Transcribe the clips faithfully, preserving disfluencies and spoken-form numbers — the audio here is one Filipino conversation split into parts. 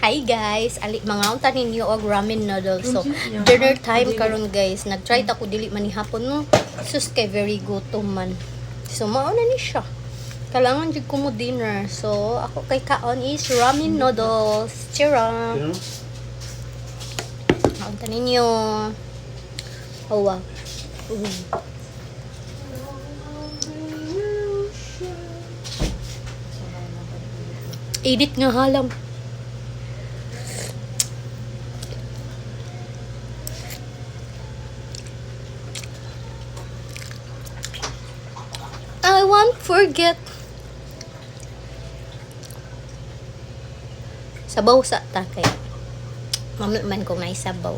Hi guys, ali mga unta ninyo og ramen noodles. So dinner time karon guys. Nag-try ta ko dili man ni hapon no. Sus kay very gutom man. So mao na ni siya. Kailangan jud ko mo dinner. So ako kay kaon is ramen noodles. Chira. Unta ninyo. Oh wow. Uh. Edit nga halam. I won't forget. Sabaw sa ta kay. Mamit man ko ngay sabaw.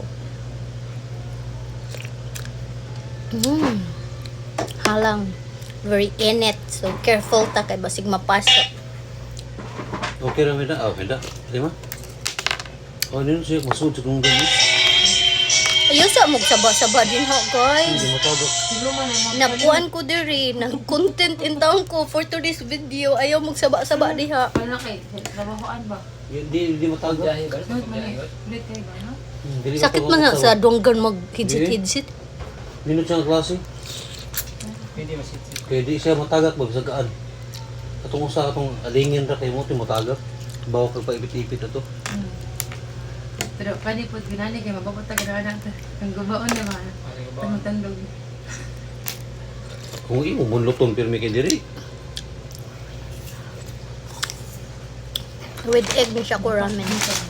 Mm. Halang. Very init. So careful ta kay basig mapasok. Okay lang na. Oh, handa. Lima. Oh, nino siya masud sa kung gani. Ayaw sa magsaba-saba din ha, guys. Hindi matawag. Nakuan ko diri, nag-content in town ko for today's video. Ayaw magsaba-saba diha. Ano kay? Trabahoan ba? Hindi hindi matawag. Ulit mali. Ulit kayo ba, no? Dili Sakit matawag man na sa- sa donggan mag-hidsit-hidsit. Nino siya ang klase. Pwede masitsit. Kaya di siya matagak magsagaan. Katong usa katong alingin ra kay mo ti matagak. Bawa kag paipit-ipit ato. Hmm. Pero kani po ginani kay mababata ganahan ang ang gubaon na ba? Tandog. Kung imo mo luton pirmi kay diri. With egg ni siya ko ramen.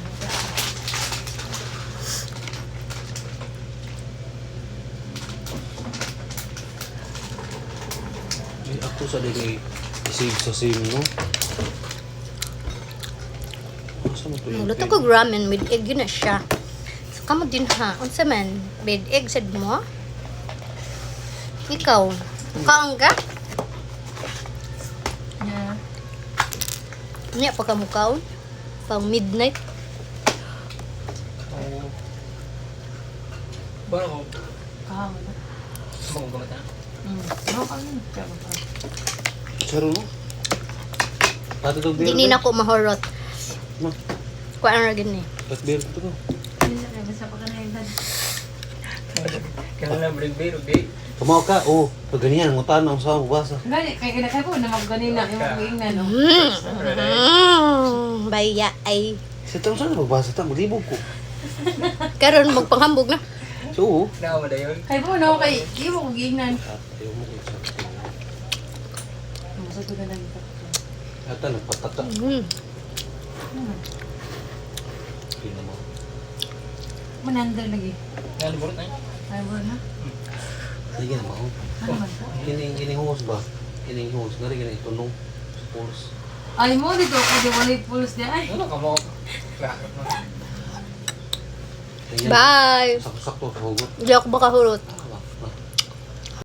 Ay, ako sa dili isig sa sim no. Asa mo to yun? Magluto ko ramen with egg yun na siya. So kamo din ha. Unsa man? With egg sad mo? Ikaw? Kaon ka? Yeah. Niya pa ka mo kaon? Pang midnight? Oo. Ba ako? Kahang na. Mga gumata. Hmm. Ano ka yun? Kaya ba? Saro no. Pati tong beer. Hindi na ko mahorot. Ma, Kuan ra gini. pat beer to ko. Hindi na kaya basta pa ka na yun. Kaya na bring beer, okay? Tumaw ka. Oh, pag ganyan ngutan ang sa basa. Gani, kaya kaya kayo po na magganina. Yung magiging na, no? Mm. Baya ay. Sa taon sa magbasa ta maglibog ko. Karon magpanghambog na. So, Naawa na yun. Kaya po, no? Kaya kayo mo magiging ayaw mo kung sa Masado ka na ito. Ata nagpatata. Mm. Hindi mo. Manandar lagi. Naan burot na yun. Kaya mo na. Sige na mo. Ano man po? Kining kining hose ba? Kining hose ngari kining tunong sa pulse. Ay mo, dito ako di wala yung pulse niya. Ay, Ano ka mo? Lakot mo. Tingnan. Bye. Sakto-sakto sa hugot. Hindi ako makahurot.